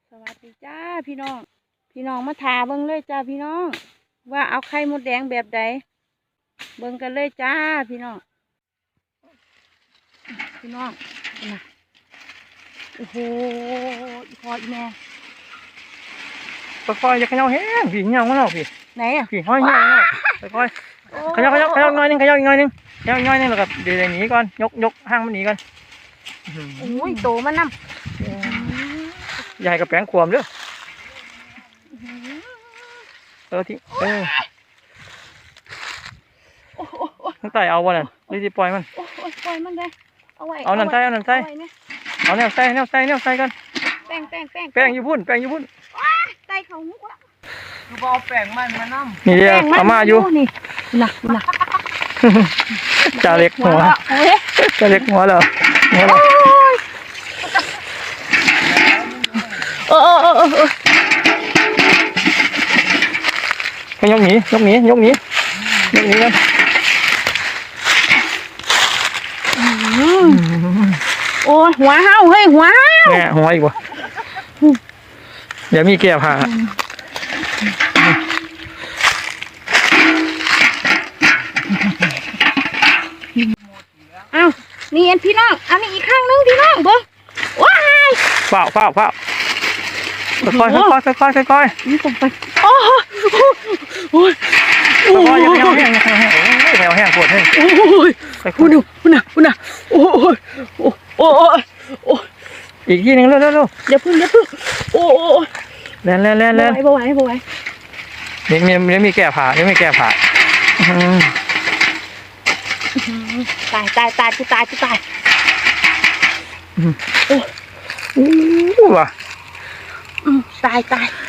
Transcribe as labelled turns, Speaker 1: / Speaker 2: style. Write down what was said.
Speaker 1: สวัสดีจ้าพี่น้องมาทาเบิ่งเลยจ้าพี่น้องว่าเอาไข่มดแดงแบบใดเบิ่งกันเลยจ้าพี่น้องนะโอ้โหอีพออีแม่
Speaker 2: ค่อยๆอย่าเขย่าแห้งพี่เขย่ามันออกพี่
Speaker 1: ไหนอ่ะ
Speaker 2: พี่ห้อยเขย่าค่อยๆเขย่าหน่อยนึงเขย่าอีกหน่อยนึงแล้วก็เดี๋ยวหนีก่อนยกห้างมันหนีก่อน
Speaker 1: โอ้ยโตมันน้ำ
Speaker 2: ใหญ่กับแป้งขวมเด้อที่ตั้งแต่เอาวันนั้นรีบปล่อยมัน
Speaker 1: ปล่อยมันเลย
Speaker 2: เอานั่นใส่เอาแนวใส่กัน
Speaker 1: แป้ง
Speaker 2: ญี่ปุ่น
Speaker 1: ใส่เขามุกละ
Speaker 3: คือบอแป้งมันมาน้ำ
Speaker 2: นี่เดียวเอามาอยู่
Speaker 1: นี่หนัก
Speaker 2: จ่าเล็กหัวเหรอไปยกหนีกัน
Speaker 1: โอ้หัวเห่าเฮ้ยหัว
Speaker 2: แง่หัวอีกวะเดี๋ยวมีแก้ผ้า
Speaker 1: อ้าวนี่เอ็นพี่น้องอันนี้อีกข้างนึงพี่น้องเบิ้งว้าย
Speaker 2: เฝ้าค่อย
Speaker 1: นี่ผมไปโอ้ย
Speaker 2: อย่าแห้งปวดแห้ง
Speaker 1: คุณน่ะโอ้ย
Speaker 2: อีกทีนึงเร็ว
Speaker 1: อย่าพึ่งโอ้
Speaker 2: แล่น
Speaker 1: บ่ไหว
Speaker 2: ยังมีแก้ผ้าต
Speaker 1: าย
Speaker 2: โอ้ว่ะ
Speaker 1: ตาย